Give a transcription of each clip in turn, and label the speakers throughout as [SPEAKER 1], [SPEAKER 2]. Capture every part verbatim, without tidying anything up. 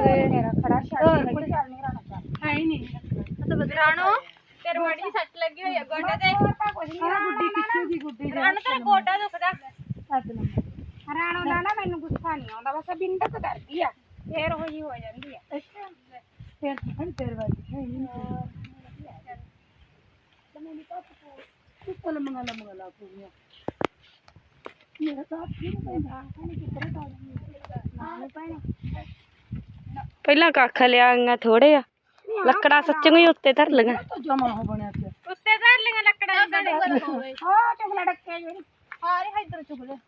[SPEAKER 1] ਮੇਰਾ ਖੜਾ ਛੱਡ ਕੋਈ ਚੱਲ ਨਹੀਂ ਰਾਣਾ ਹੈ ਹੀ ਨਹੀਂ ਤਾਂ ਬਦਰਾਣੋ ਤੇਰੇ ਮੜੀ ਸੱਟ ਲੱਗੀ ਹੋਈ ਆ ਗੋਡੇ ਤੇ ਕੁਝ ਨਹੀਂ ਗੁੱਡੀ ਪਿੱਛੇ ਦੀ ਗੁੱਡੀ ਰਾਣਾ ਤੇਰਾ ਗੋਡਾ ਦੁਖਦਾ ਸੱਤ ਨੰਬਰ ਰਾਣੋ ਦਾ ਨਾ ਮੈਨੂੰ ਗੁੱਸਾ ਨਹੀਂ ਆਉਂਦਾ ਬਸ ਬਿੰਦਕ ਕਰਦੀ ਆ ਫੇਰ ਹੋਈ ਹੋ ਜਾਂਦੀ ਆ ਅੱਛਾ ਫੇਰ ਹਣ ਤੇਰੇ ਵਾਲੀ ਹੈ ਨਹੀਂ ਤਾਂ ਮੈਨੂੰ ਤਾਂ ਤੂੰ ਕੋਲ ਮੰਗਾ ਲਾ ਮੰਗਾ ਲਾ ਪੂਰੀਆਂ ਮੇਰਾ ਤਾਂ ਫਿਰ ਪੈਂਦਾ ਨਹੀਂ ਕਿੱਧਰ ਤਾਂ ਨਾ ਪੈਣਾ
[SPEAKER 2] ਪਹਿਲਾਂ ਕੱਖ ਲਿਆਂਗਾ ਥੋੜੇ ਆ ਲੱਕੜਾਂ ਸੱਚੀਆਂ ਹੀ ਉੱਤੇ ਧਰ ਲਈਆਂ
[SPEAKER 1] ਜਮਾ ਹੋ ਬਣਿਆ ਉੱਤੇ ਧਰ ਲਈਆਂ ਲੱਕੜਾਂ ਦੇ ਹਾਂ ਚੁਗਲਾ ਡੱਕੇ ਜਿਹੜੀ ਹਾਰੇ ਇਧਰ ਚੁਗਲੇ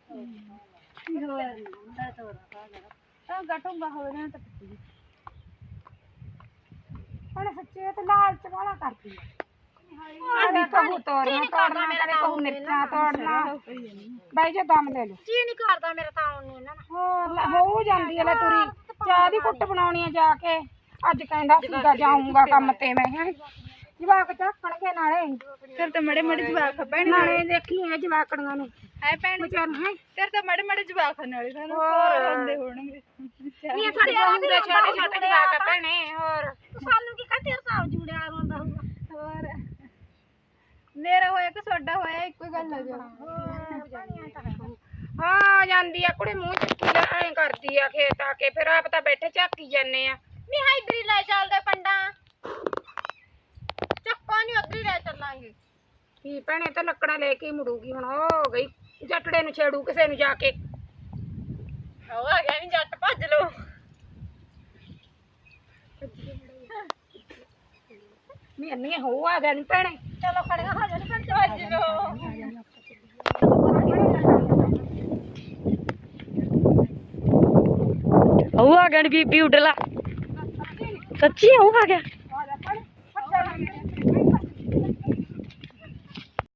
[SPEAKER 1] ਤਾਂ ਗਟੂਗਾ ਹੋਵੇ ਨਾ ਤਾਂ ਪੱਤੀ ਹੁਣ ਸੱਚੇ ਤੇ ਲਾਲਚ ਵਾਲਾ ਕਰਦੀ ਆ ਆਹ ਕਬੂ ਤੋੜਨਾ ਤੋੜਨਾ ਕਦੇ ਕਹੂ ਮਿਰਚਾਂ ਤੋੜਨਾ ਬਾਈ ਜੇ ਦਮ ਲੈ ਲਓ ਜੀ ਨਹੀਂ ਕਰਦਾ ਮੇਰਾ ਤਾਂ ਆਉਣ ਨੂੰ ਇਹਨਾਂ ਨਾਲ ਹੋਰ ਹੋ ਜਾਂਦੀ ਹੈ ਲੈ ਤੁਰੀ ਚਾਹ ਦੀ ਕੁੱਟ ਬਣਾਉਣੀ ਆ ਜਾ ਕੇ ਅੱਜ ਕਹਿੰਦਾ ਸੀਗਾ ਜਾਊਂਗਾ ਕੰਮ ਤੇ ਮੈਂ ਹੈ ਜਵਾਕ ਚੱਕਣਗੇ ਨਾਲੇ ਫਿਰ ਤਾਂ ਮੜੇ ਮੜੇ ਜਵਾਕ ਭੈਣ ਨਾਲੇ ਦੇਖੀ ਇਹ ਜਵਾਕੜੀਆਂ ਨੂੰ ਹੈ ਭੈਣ ਵਿਚਾਰ ਹੈ ਫਿਰ ਤਾਂ ਮੜੇ ਮੜੇ ਜਵਾਕ ਨਾਲੇ ਸਾਨੂੰ ਹੋਰ ਹੁੰਦੇ ਹੋਣਗੇ ਇਹ ਸਾਡੇ ਹੁੰਦੇ ਛੋਟੇ ਛੋਟੇ ਜਵਾਕ ਆ ਭੈਣੇ ਹੋਰ ਸਾਨੂੰ ਕੀ ਕਹਤੇ ਹਿਸਾਬ ਜੂੜਿਆ ਰੋਂਦਾ ਹੋਊਗਾ ਹੋਰ ਮੇਰਾ ਹੋਇਆ ਕਿ ਤੁਹਾਡਾ ਹੋਇਆ ਇੱਕੋ ਗੱਲ ਹੋ ਜਾ ਹਾਂ ਜਾਂਦੀ ਆ ਕੁੜੇ ਮੂੰਹ ਚੱਕੀ ਲੈ ਐਂ ਕਰਦੀ ਆ ਖੇਤ ਆ ਕੇ ਫਿਰ ਆਪ ਤਾਂ ਬੈਠੇ ਝਾਕੀ ਜਾਂਦੇ ਆ ਨਹੀਂ ਹਾਈਡਰੀ ਲੈ ਚੱਲਦੇ ਪੰਡਾ ਚੱਕਾ ਨਹੀਂ ਅੱਧੀ ਲੈ ਚੱਲਾਂਗੇ ਕੀ ਭੈਣੇ ਤਾਂ ਲੱਕੜਾਂ ਲੈ ਕੇ ਮੁੜੂਗੀ ਹੁਣ ਹੋ ਗਈ ਜੱਟੜੇ ਨੂੰ ਛੇੜੂ ਕਿਸੇ ਨੂੰ ਜਾ ਕੇ ਹੋ ਆ ਗਿਆ ਨਹੀਂ ਜੱਟ ਭੱਜ ਲੋ ਮੈਨੇ ਹੋ ਆ ਗਿਆ ਨਹੀਂ ਭੈਣੇ ਚਲੋ ਖੜੀਆਂ ਹੋ ਜਾਣੀ ਭੱਜ ਭੱਜ ਲੋ
[SPEAKER 2] ਉਹ ਆ ਗਿਆ ਬੀਬੀ ਉਡਲਾ ਸੱਚੀ ਉਹ ਆ ਗਿਆ
[SPEAKER 1] ਆ ਜਾ